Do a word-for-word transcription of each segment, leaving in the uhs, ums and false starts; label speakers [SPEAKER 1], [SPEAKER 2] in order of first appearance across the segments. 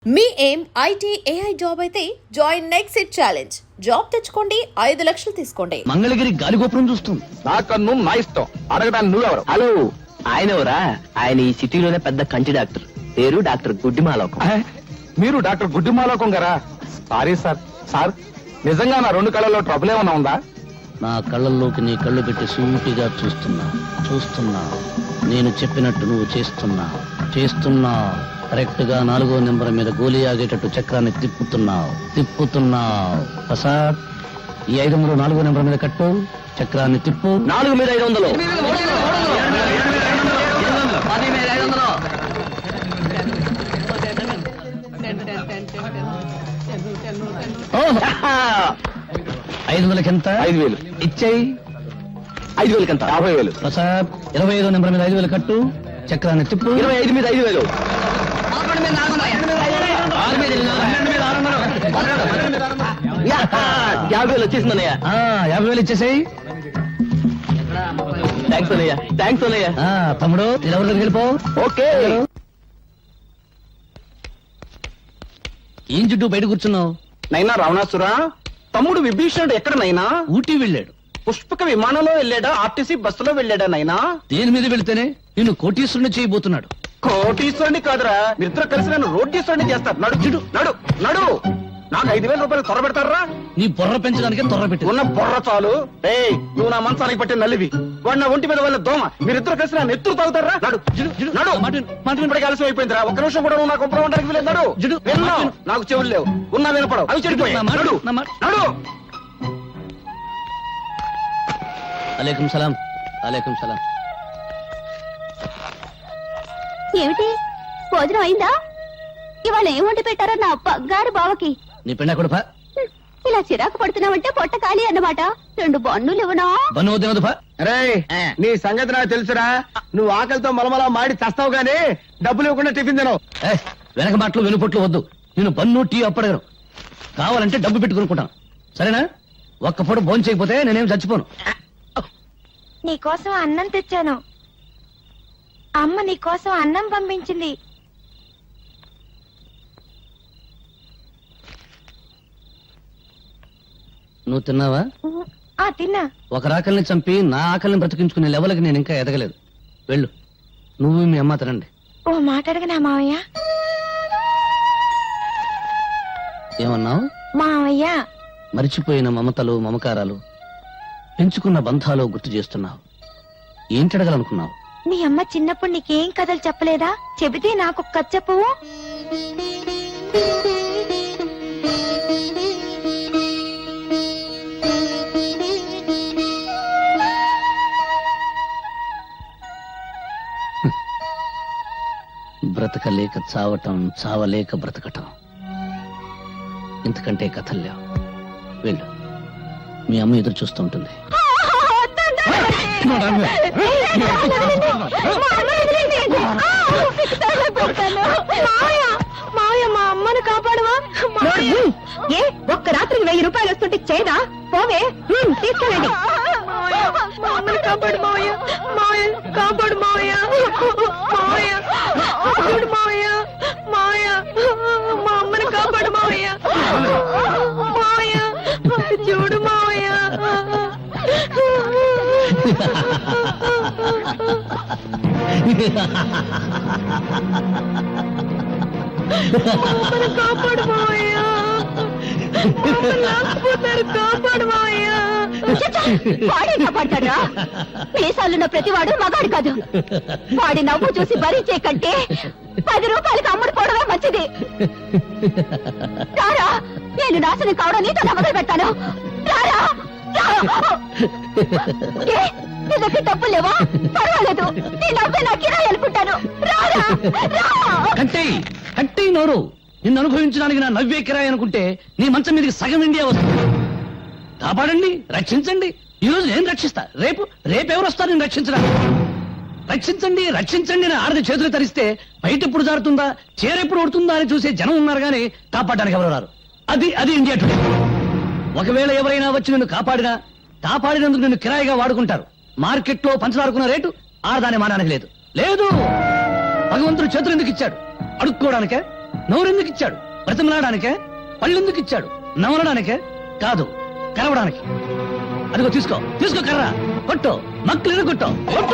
[SPEAKER 1] మీ ఏం IT AI job అయితే join next it challenge. Job తెచ్చుకోండి, ఐదు లక్షలు తీసుకోండి.
[SPEAKER 2] మంగళగిరి గాలిగోపురం చూస్తుంది.
[SPEAKER 3] నా కన్ను నా ఇష్టం. అడగడానికి నువ్వెవరు?
[SPEAKER 2] హలో, ఆయన ఎవరా? ఆయన ఈ సిటీలోనే పెద్ద కంటి డాక్టర్. పేరు డాక్టర్ గుడ్డిమాలోకం.
[SPEAKER 3] అహే, మీరు డాక్టర్ గుడ్డిమాలోకం గారా? Sorry sir. సార్, నిజంగా నా రెండు కళ్ళల్లో ట్రబుల్ ఏమన్నా ఉందా?
[SPEAKER 2] నా కళ్ళల్లోకి నీ కళ్ళు పెట్టి సూటిగా చూస్తున్నా చూస్తున్నా నేను చెప్పినట్టు నువ్వు చేస్తున్నా చేస్తున్నా కరెక్ట్ గా నాలుగో నెంబర్ మీద గోలీ ఆగేటట్టు చక్రాన్ని తిప్పుతున్నావు తిప్పుతున్నావు ప్రసాద్, ఈ ఐదు వందలు నాలుగో నెంబర్ మీద కట్టు. చక్రాన్ని తిప్పు. నాలుగు మీద ఐదు వందలు ఐదు వందలకి ఎంత?
[SPEAKER 3] ఐదు వేలు
[SPEAKER 2] ఇచ్చేయి. ఐదు వేలకి ఎంత?
[SPEAKER 3] యాభై వేలు.
[SPEAKER 2] ప్రసాద్, ఇరవై ఐదో నెంబర్ మీద ఐదు వేలు కట్టు. చక్రాన్ని తిప్పు. ఇరవై ఐదు మీద ఐదు వేలు యాభై వేలు వచ్చేసిందన్నయ్య. యాభై వేలు ఇచ్చేసాయి. థ్యాంక్స్ అన్నయ్య. థ్యాంక్స్ అన్నయ్య. తమ్ముడు, ఎవరి దగ్గరికి వెళ్ళిపో. ఓకే. ఏం చుట్టూ బయట కూర్చున్నావు?
[SPEAKER 3] నైనా రావణాసురా, తమ్ముడు విభీషణుడు ఎక్కడ నైనా?
[SPEAKER 2] ఊటీ వెళ్ళాడు.
[SPEAKER 3] పుష్పక విమానంలో వెళ్ళాడా? ఆర్టీసీ బస్సులో వెళ్ళాడా నైనా?
[SPEAKER 2] దేని మీద వెళితేనే నిన్ను కోటీశ్వరుని చేయబోతున్నాడు.
[SPEAKER 3] కోటీశ్వరుని కాదురా, నిద్ర కలిసి నన్ను రోటీశ్వరుని చేస్తారు. నడు చుడు నడు నడు. నాకు ఐదు వేల రూపాయలు త్వర పెడతారా?
[SPEAKER 2] నీ బుర్ర పెంచడానికే త్వర పెట్టి
[SPEAKER 3] ఉన్న బుర్ర చాలు. ఏయ్, నువ్వు నా మంచానికి పట్టిన నల్లివి, వాడు నా ఒంటి మీద వాళ్ళ దోమ. మీరిద్దరు కలిసి నా నెత్తురు తాగుతారా? నడు నడు. ఇప్పటికి ఆలస్యం అయిపోయిందిరా. ఒక్క నిమిషం కూడా నువ్వు నా కుప్పడం ఉండడానికి వీలేదు. నడు. విన్నావు? నాకు చెవులు లేవు, ఉన్నా వినపడవు. అవి చెడిపోయాయి. నడు నడు.
[SPEAKER 2] అలేకుం సలాం. అలేకుం సలాం.
[SPEAKER 4] ఏమిటి, భోజనం అయిందా? ఇవాళ ఏం వండి పెట్టారో నా బంగారు బావకి.
[SPEAKER 2] నీ పెళ్ళ కొడుపా.
[SPEAKER 4] ఇలా చిరాకు పడుతున్నావంటే పొట్ట ఖాళీ అన్నమాట. రెండు బన్నులు ఇవ్వనా?
[SPEAKER 2] బన్ను వద్దు.
[SPEAKER 3] రే, నీ సంగతి నాకు తెలుసురా. నువ్వు ఆకలితో మలమలా మాడి చస్తావు గానీ డబ్బులు ఇవ్వకుండా టిఫిన్ తినవు.
[SPEAKER 2] వెనక మాటలు వెనుపొట్లు వద్దు. నేను బన్ను టీ అప్పడగను. కావాలంటే డబ్బు పెట్టుకునుకుంటాను. సరేనా? ఒక్క పూట భోజనం చేయకపోతే నేనేం చచ్చిపోను.
[SPEAKER 4] నీకోసం అన్నం తెచ్చాను. అమ్మ నీకోసం అన్నం పంపించింది.
[SPEAKER 2] నువ్వు తిన్నావా?
[SPEAKER 4] ఆ తిన్నా.
[SPEAKER 2] ఒక రాకల్ని చంపి నా ఆకలిని బ్రతికించుకునే లెవెల్కి నేను ఇంకా ఎదగలేదు. వెళ్ళు, నువ్వు మీ అమ్మ తినండి.
[SPEAKER 4] ఓ మాట అడగనా మావయ్య?
[SPEAKER 2] ఏమన్నావు?
[SPEAKER 4] మావయ్య,
[SPEAKER 2] మరిచిపోయిన మమతలు మమకారాలు పెంచుకున్న బంధాలు గుర్తు చేస్తున్నావు. ఏంటడగలనుకున్నావు?
[SPEAKER 4] మీ అమ్మ చిన్నప్పుడు నీకేం కథలు చెప్పలేదా? చెబితే నాకు కథ చెప్పవు.
[SPEAKER 2] బ్రతకలేక చావటం, చావలేక బ్రతకటం, ఇంతకంటే కథలు లేవు. వెళ్ళు, మీ అమ్మ ఎదురు చూస్తుంటుంది.
[SPEAKER 4] మావయ్య, మా అమ్మను కాపాడవా? ఏ ఒక్క రాత్రికి వెయ్యి రూపాయలు వస్తుంటే చేదా? పోవే, తీసుకెళ్ళండి. మా అమ్మని కాపాడు మావయ్య. మావయ్య కాపాడు మావయ్య. మావయ్య కాపాడు మావయ్య. మావయ్య, మా అమ్మని కాపాడు మావయ్య. మావయ్య చూడు మావయ్య. కాపాడు మావయ్య. కాపాడు మావయ్య. వాడే కాపాడతాడా? మీసాలున్న ప్రతివాడు మగాడు కాదు. వాడి నవ్వు చూసి భరించే కంటే పది రూపాయలకి అమ్ముడు పోవడమే మంచిది. రారా, నేను నాశనం కావడం నీతో మొదలు పెడతాను. రారా. నీ దగ్గర డబ్బులు లేవా? పర్వాలేదు, నీ డబ్బే నా కిరాయి అనుకుంటాను. రారా.
[SPEAKER 2] అంటే అంటే నోరు నిన్ను అనుభవించడానికి నా నవ్వే కిరాయి అనుకుంటే నీ మంచం మీదకి సగం ఇండియా వస్తుంది. కాపాడండి, రక్షించండి. ఈ రోజు నేను రక్షిస్తా, రేపు రేపెవరు వస్తారు నేను రక్షించడానికి? రక్షించండి రక్షించండి నా ఆడది చేతులు తరిస్తే బయట ఎప్పుడు జారుతుందా, చేరెప్పుడు ఉడుతుందా అని చూసే జనం ఉన్నారు కానీ కాపాడడానికి ఎవరు రారు. అది అది ఇండియా టుడే. ఒకవేళ ఎవరైనా వచ్చి నిన్ను కాపాడినా కాపాడినందుకు నిన్ను కిరాయిగా వాడుకుంటారు. మార్కెట్ లో పంచదారుకున్న రేటు ఆడదాని మానానికి లేదు. లేదు, భగవంతుడు చేతులు ఎందుకు ఇచ్చాడు? అడుక్కోవడానికే. నోరెందుకు ఇచ్చాడు? బ్రతిమలాడానికే? పళ్ళెందుకు ఇచ్చాడు? నమలడానికే కాదు, కరవడానికి. అదిగో తీసుకో, తీసుకో కర్ర, కొట్టు, మక్కలు కొట్టు, కొట్టు.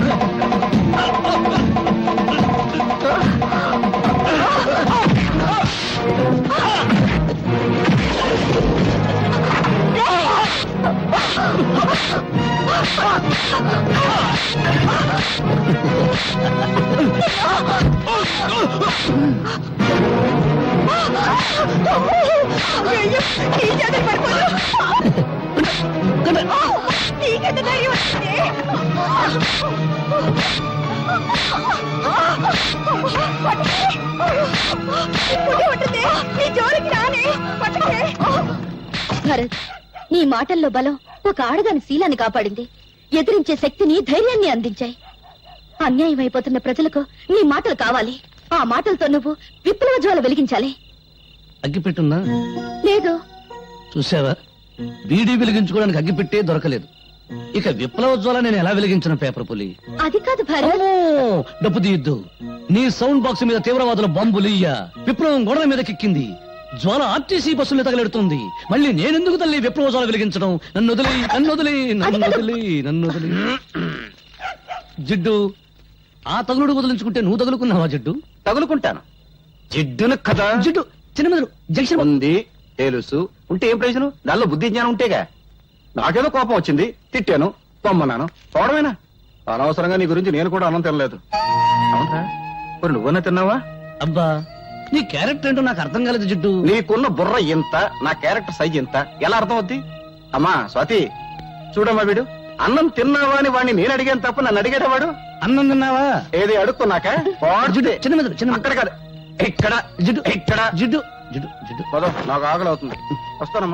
[SPEAKER 4] భరత్, నీ మాటల్లో బలం ఒక ఆడదాని శీలాన్ని కాపాడింది. ఎదిరించే శక్తిని, ధైర్యాన్ని అందించాయి. అన్యాయం అయిపోతున్న ప్రజలకు నీ మాటలు కావాలి. ఆ మాటలతో నువ్వు విప్లవ జ్వాల వెలిగించాలి.
[SPEAKER 2] అగ్గిపెట్టుందా?
[SPEAKER 4] లేదు.
[SPEAKER 2] చూసావా, బీడీ వెలిగించుకోవడానికి అగ్గిపెట్టే దొరకలేదు. ఇక విప్లవ జ్వాల నేను ఎలా వెలిగించిన పేపర్ పులి?
[SPEAKER 4] అది కాదు భరత్.
[SPEAKER 2] అమ్మో, డప్పు తీయద్దు. నీ సౌండ్ బాక్స్ మీద తీవ్రవాదుల బాంబులియ్య విప్లవం గోడల మీదకెక్కింది. జ్వాల ఆర్టీసీ బస్సులు తగలెడుతుంది. మళ్ళీ నేనెందుకు తల్లి విప్లవ జ్వాల వెలిగించడం? నన్ను వదిలి, నన్ను వదిలి, నన్ను వదిలి, నన్ను వదిలి. జిడ్డు, ఆ తగులుడు వదిలించుకుంటే నువ్వు తగులుకున్నావా జిడ్డు?
[SPEAKER 3] తగులుకుంటాను. జిడ్డును కదా.
[SPEAKER 2] జిడ్డు చిన్న మెదడు జంక్షన్
[SPEAKER 3] ఉంది, తెలుసు. ఉంటే ఏం ప్రయోజనం? దానిలో బుద్ధి జ్ఞానం ఉంటేగా. నాకేదో కోపం వచ్చింది, తిట్టాను, పొమ్మన్నాను, పోవడమేనా? అనవసరంగా నీ గురించి నేను కూడా అన్నం తినలేదు. అవునరా, మరి నువ్వన్నా తిన్నావా?
[SPEAKER 2] అబ్బా, నీ క్యారెక్టర్ ఏంటో నాకు అర్థం కాలేదు జిడ్డు.
[SPEAKER 3] నీకున్న బుర్ర ఎంత, నా క్యారెక్టర్ సైజ్ ఎంత, ఎలా అర్థం అవుద్ది? అమ్మా స్వాతి, చూడమ్మా, వీడు అన్నం తిన్నావా అని వాడిని నేను అడిగాను తప్ప నన్ను అడిగాడు వాడు.
[SPEAKER 2] అన్నం తిన్నావా?
[SPEAKER 3] ఏది అడుక్కున్నాక
[SPEAKER 2] జిడ్డు చిన్న మెదడు చిన్న
[SPEAKER 3] అక్కడ కాదు, ఎక్కడ
[SPEAKER 2] జిడ్డు
[SPEAKER 3] ఎక్కడ
[SPEAKER 2] జిడ్డు జిడ్డు జిడ్డు
[SPEAKER 3] పదో, నాకు ఆకలి అవుతుంది, వస్తానమ్మా.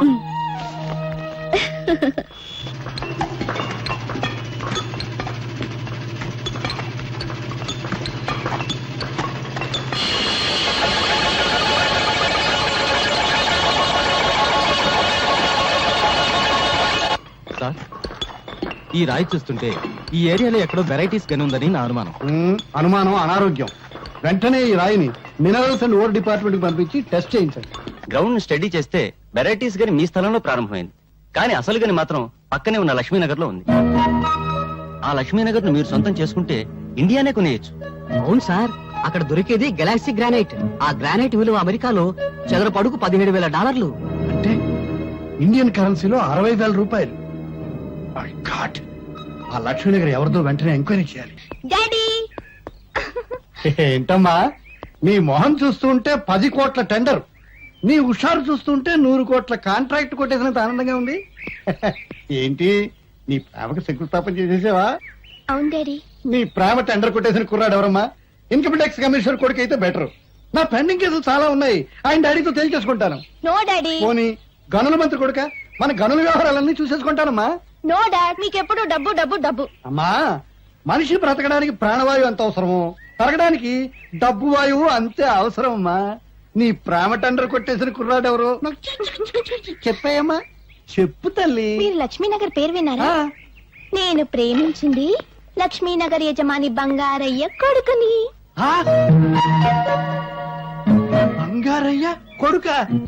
[SPEAKER 5] సార్, ఈ రాయి చూస్తుంటే ఈ ఏరియాలో ఎక్కడో వెరైటీస్ గని ఉందని నా అనుమానం.
[SPEAKER 6] మ్మ్, అనుమానం అనారోగ్యం. వెంటనే ఈ రాయిని మినరల్స్ అండ్ ఓర్ డిపార్ట్మెంట్ కి పంపించి టెస్ట్ చేయించండి.
[SPEAKER 5] గ్రౌండ్ స్టడీ చేస్తే వెరైటీస్ గని మీ స్థలంలో ప్రారంభమైంది, కానీ అసలు గని మాత్రం పక్కనే ఉన్న లక్ష్మీనగర్ లో ఉంది. ఆ లక్ష్మీనగర్ ను మీరు సొంతం చేసుకుంటే ఇండియానే కొనేయచ్చు.
[SPEAKER 7] అవును సార్, అక్కడ దొరికేది గెలాక్సీ గ్రానైట్. ఆ గ్రానైట్ విలువ అమెరికాలో చదరపు అడుగు పదిహేడు వేల డాలర్లు.
[SPEAKER 6] అంటే ఇండియన్ కరెన్సీలో అరవై వేల రూపాయలు. My God! ఆ లక్ష్మీనగర్ ఎవరిదో వెంటనే ఎంక్వైరీ చేయాలి.
[SPEAKER 4] డాడీ,
[SPEAKER 6] ఏంటమ్మా, నీ మొహం చూస్తుంటే పది కోట్ల టెండర్, నీ హుషారు చూస్తుంటే నూరు కోట్ల కాంట్రాక్ట్ కొట్టేసినంత ఆనందంగా ఉంది. ఏంటి, నీ ప్రేమకు శంకుస్థాపన చేసేసావా?
[SPEAKER 4] అవును డాడీ.
[SPEAKER 6] నీ ప్రేమ టెండర్ కొట్టేసిన కుర్రాడు ఎవరమ్మా? ఇన్కమ్ ట్యాక్స్ కమిషనర్ కొడుకు అయితే బెటర్. నా పెండింగ్ కేసులు చాలా ఉన్నాయి, ఆయన డాడీతో తేల్చేసుకుంటాను.
[SPEAKER 4] No daddy.
[SPEAKER 6] పోనీ గనుల మంత్రి కొడుక, మన గనుల వ్యవహారాలన్నీ చూసేసుకుంటానమ్మా.
[SPEAKER 4] నో డాడ్, మీకెప్పుడు డబ్బు డబ్బు డబ్బు.
[SPEAKER 6] అమ్మా, మనిషి బ్రతకడానికి ప్రాణవాయువు ఎంత అవసరమో తరగడానికి డబ్బు వాయువు అంతే అవసరం. అమ్మా, నీ ప్రేమ టెండర్ కొట్టేసిన కుర్రాడు ఎవరు నాకు చెప్పాయమ్మా? చెప్పు తల్లి.
[SPEAKER 4] మీరు లక్ష్మీనగర్ పేరు విన్నారా?
[SPEAKER 6] ఆ,
[SPEAKER 4] నేను ప్రేమించింది లక్ష్మీనగర్ యజమాని బంగారయ్య కొడుకుని.
[SPEAKER 6] ఆ? బంగారయ్య కొడుక?